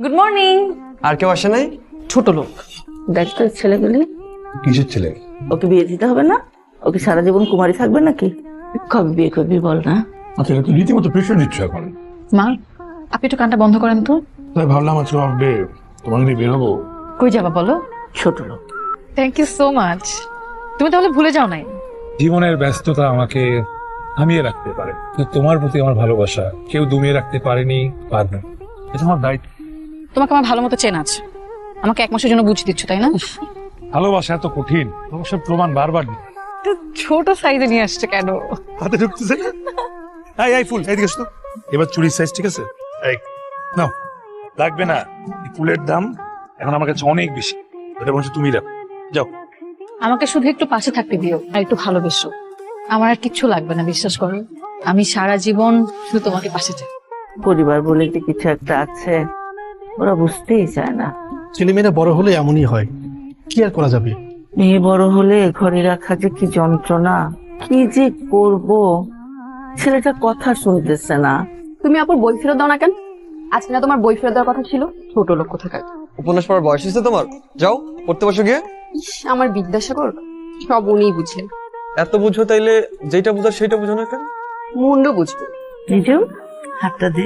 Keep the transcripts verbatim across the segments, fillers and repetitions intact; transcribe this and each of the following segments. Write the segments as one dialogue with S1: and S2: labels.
S1: Good morning.
S2: আর কেউ আসে নাই?
S1: ছোট লোক।
S3: দেখ তো ছেলেগুলি,
S2: কিসের ছেলে?
S3: ওকে বিয়ে দিতে হবে না? ওকে সারা জীবন কুমারী থাকবে নাকি? কবে বিয়ে করবি বল না?
S4: আচ্ছা এটা তো রীতিমতো প্রেশার দিচ্ছ এখন।
S1: মা, আপনি একটু কানটা বন্ধ করেন তো।
S4: তাই ভাবলাম আজকে অফ ডে, তোমার নিয়ে বেরোবো।
S1: কই যাবা বলো?
S3: ছোট লোক।
S1: Thank you so much. তুমি তাহলে ভুলে যাও নাই?
S4: জীবনের ব্যস্ততা আমাকে থামিয়ে রাখতে পারে, কিন্তু তোমার প্রতি আমার ভালোবাসা কেউ দমিয়ে রাখতে পারেনি, পারবে না। এটা আমার দায়িত্ব।
S1: তোমাকে আমার ভালো মতো চেনা আছে, আমাকে এক মাসের জন্য বুঝিয়ে দিচ্ছ তাই না?
S4: ভালোবাসা এত কঠিন, ভালোবাসার প্রমাণ বারবার দিই।
S1: ছোট সাইজে নিয়ে আসছে কেন?
S4: হাতে ঢুকতেছে না। এই এই ফুল এদিকে এসো তো। এবার চুরির সাইজ ঠিক আছে? এই নাও, লাগবে না। এই ফুলের দাম এখন আমার কাছে অনেক বেশি, এটা বলছো তুমি রাখো। যাও।
S1: আমাকে শুধু একটু পাশে থাকতে দিও আর একটু ভালোবেসো। আমার আর কিচ্ছু লাগবে না, বিশ্বাস করো। আমি সারা জীবন শুধু তোমাকে পাশে চাই।
S3: পরিবার বলে যে কিছু একটা আছে, ওরা বুঝতেই চায় না।
S5: ছেলেমেয়েরা বড় হলে এমনই হয়, কি আর করা যাবে।
S3: মেয়ে বড় হলে ঘরে রাখা যে কি যন্ত্রণা, কি যে করব। ছেলেটা কথা শুনতেছে না।
S6: তুমি আপুর বই ফেরত দাও না কেন? আজকে না তোমার বই ফেরত দেওয়ার কথা ছিল? ছোট লোক কোথাকার।
S2: উপন্যাস পড়ার বয়স হয়েছে তোমার? যাও পড়তে বসো গিয়ে।
S6: ইস, আমার বিদ্যাসাগর সব উনিই বুঝলেন।
S2: এত বুঝো তাইলে যেটা বুঝার সেটা বুঝো না কেন?
S6: মুন্ড বুঝবো।
S3: নিজেও হাতটা দে।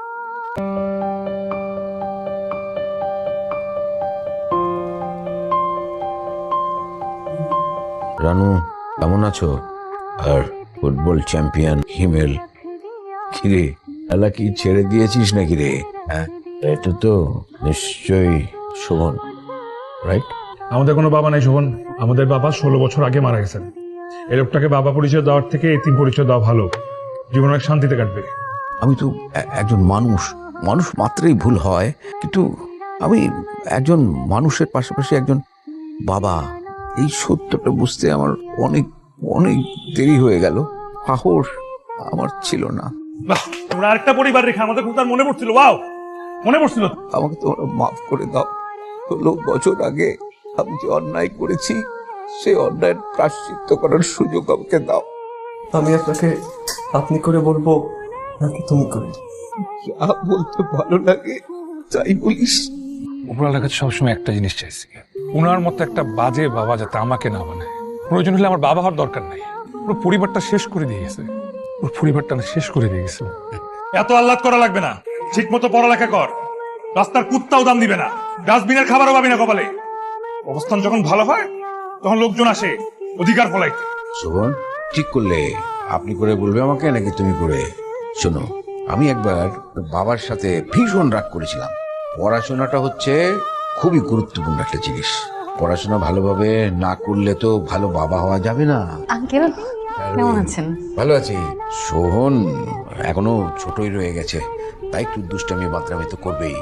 S7: রানু কেমন আছো? আর ফুটবল চ্যাম্পিয়ন হিমেল, কিরে খেলা কি ছেড়ে দিয়েছিস নাকি রে? হ্যাঁ, এটা তো নিশ্চয়ই শোভন, রাইট?
S4: আমাদের কোনো বাবা নাই শোভন, আমাদের বাবা ষোলো বছর আগে মারা গেছেন। এই লোকটাকে বাবা পরিচয় দেওয়ার থেকে এতিম পরিচয় দেওয়া ভালো, জীবন অনেক শান্তিতে কাটবে।
S7: আমি তো এ- একজন মানুষ, মানুষ মাত্রই ভুল হয়, কিন্তু আমি একজন মানুষের পাশাপাশি একজন বাবা, এই সত্যটা বুঝতে আমার অনেক অনেক দেরি হয়ে গেল। সাহস আমার ছিল না।
S4: বাহ, তোমরা আরেকটা পরিবার রেখে আমাদের কথা আর মনে পড়ছিল। ওয়াও, মনে পড়ছিল।
S7: আমাকে তোমরা মাফ করে দাও। ষোলো বছর আগে আমি যে অন্যায় করেছি, সেই অন্যায়ের প্রায়শ্চিত্ত করার সুযোগ আমাকে দাও।
S2: আমি আপনাকে আপনি করে বলবো নাকি তুমি করে?
S7: যা বলতে ভালো লাগে তাই বলিস।
S4: উপরওয়ালার কাছে সবসময় একটা জিনিস চাইছি, ওনার মতো একটা বাজে বাবা যাতে আমাকে না বানায়। প্রয়োজন হলে আমার বাবা হওয়ার দরকার নাই, পুরো পরিবারটা শেষ করে দিয়ে গেছে। ওর পরিবারটা না শেষ করে দিয়ে গেছে। এত আহ্লাদ করা লাগবে না, ঠিক মতো পড়ালেখা কর। রাস্তার কুত্তাও দাম দিবে না, ডাস্টবিনের খাবারও পাবি না কপালে। অবস্থান যখন ভালো হয় তখন লোকজন আসে অধিকার ফলাইতে।
S7: শোভন, ঠিক করলে আপনি করে বলবে আমাকে নাকি তুমি করে? শোনো, আমি একবার বাবার সাথে ভীষণ রাগ করেছিলাম। পড়াশোনাটা হচ্ছে খুবই গুরুত্বপূর্ণ একটা জিনিস। পড়াশোনা ভালোভাবে না করলে তো ভালো বাবা হওয়া যাবে না।
S1: আঙ্কেল কেমন আছেন?
S7: ভালো আছি। সোহন এখনো ছোটই রয়ে গেছে, তাই একটু দুষ্টামি বাতরামি তো করবেই।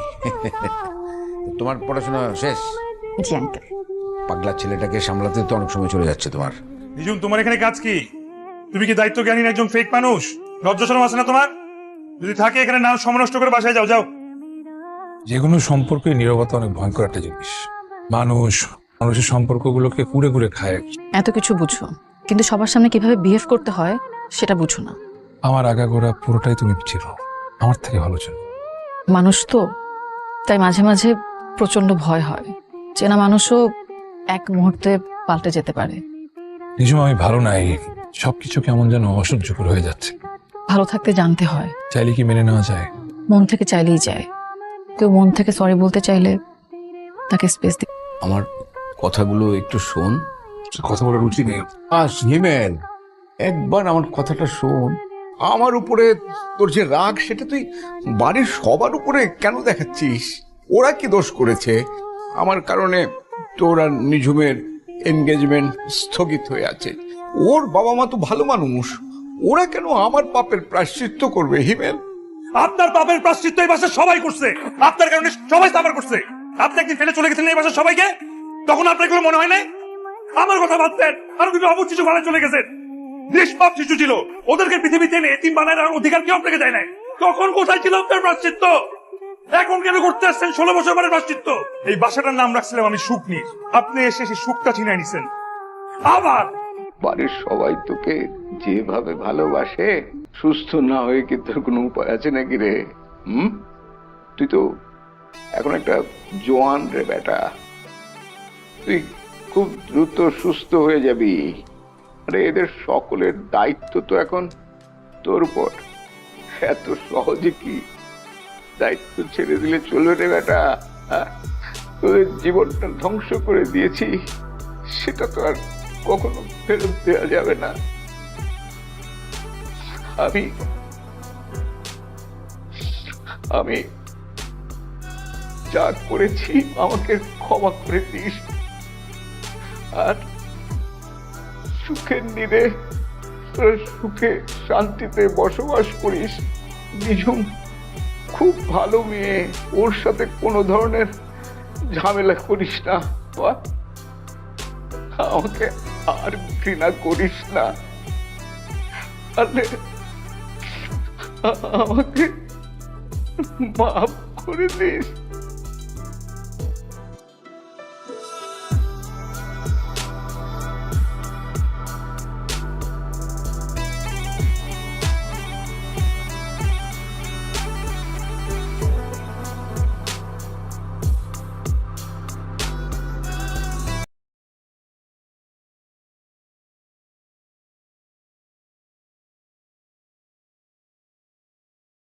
S7: তোমার পড়াশোনা শেষ?
S1: জি আঙ্কেল।
S7: পাগলা ছেলেটাকে সামলাতে তো অনেক সময় চলে যাচ্ছে তোমার।
S4: নিজুম, তোমার এখানে কাজ কি? তুমি কি দায়িত্ব জ্ঞানী একজন ফেক মানুষ? লজ্জা শরম আছে না তোমার? যদি থাকে এখানে নাম সমনষ্ট করে বাসায় যাও। যাও। যে কোনো সম্পর্কে নীরবতা অনেক ভয়ঙ্কর একটা জিনিস। মানুষ মানুষের সম্পর্কগুলোকে কুড়ে কুড়ে খায়।
S1: এত কিছু বুঝো, কিন্তু সবার সামনে কিভাবে বিহেভ করতে হয় সেটা বুঝো না।
S4: আমার আগাগোড়া পুরোটাই তুমি ছিল, আমার থেকে ভালো ছিল।
S1: মানুষ তো, তাই মাঝে মাঝে প্রচন্ড ভয় হয়। চেনা মানুষও এক মুহূর্তে পাল্টে যেতে পারে।
S4: নিজম, আমি ভালো নাই, সবকিছু কেমন যেন অসহ্যকর হয়ে যাচ্ছে।
S1: ভালো থাকতে জানতে হয়,
S4: চাইলে কি মেনে নেওয়া যায়?
S1: মন থেকে চাইলেই যায়। কেউ মন থেকে সরি বলতে চাইলে তাকে স্পেস দিই।
S7: আমার কথাগুলো একটু শোন।
S4: কথা বলার রুচি নেই।
S7: আস হিমেল, একবার আমার কথাটা শোন। আমার উপরে তোর যে রাগ, সেটা তুই বাড়ির সবার উপরে কেন দেখাচ্ছিস? ওরা কি দোষ করেছে? আমার কারণে তোর আর নিঝুমের এনগেজমেন্ট স্থগিত হয়ে আছে। ওর বাবা মা তো ভালো মানুষ, ওরা কেন আমার পাপের প্রায়শ্চিত্ত করবে হিমেল?
S4: আপনার পাপের প্রায়শ্চিত্ত এই বাসার সবাই করছে, আপনার কারণে সবাই সাফার করছে। আপনি একদিন ফেলে চলে গেছেন এই বাসার সবাইকে, তখন আপনার এগুলো মনে হয় নাই? আমার কথা ভাবতেন, আরো দুটো অবুঝ শিশু ভালো চলে গেছেন। নিষ্পাপ শিশু ছিল, ওদেরকে পৃথিবীতে এনে এতিম বানায় রাখার অধিকার কেউ আপনাকে দেয় নাই। তখন কোথায় ছিল আপনার প্রায়শ্চিত্ত? এখন কেন করতে আসছেন ষোলো বছর পরে প্রায়শ্চিত্ত? এই বাসাটার নাম রাখছিলাম আমি সুখনীর, আপনি এসে সেই সুখটা ছিনাই নিছেন। আবার
S7: বাড়ির সবাই তোকে যেভাবে ভালোবাসে, সুস্থ না হয়ে কি তোর কোনো উপায় আছে নাকি রে? হুম, তুই তো এখন একটা জোয়ান রে বেটা, তুই খুব দ্রুত সুস্থ হয়ে যাবি। আরে এদের সকলের দায়িত্ব তো এখন তোর উপর। এত সহজে কি দায়িত্ব ছেড়ে দিলে চলবে রে বেটা? হ্যাঁ? তোদের জীবনটা ধ্বংস করে দিয়েছি, সেটা তো আর কখনো ফেরত দেওয়া যাবে না। আমি আমি যা করেছি আমাকে ক্ষমা করে দিস, আর সুখের নিরে তোরা সুখে শান্তিতে বসবাস করিস। নিঝুম খুব ভালো মেয়ে, ওর সাথে কোনো ধরনের ঝামেলা করিস না। বাবা, আমাকে আর ঘৃণা করিস না, আরে আমাকে মাফ করে দিস।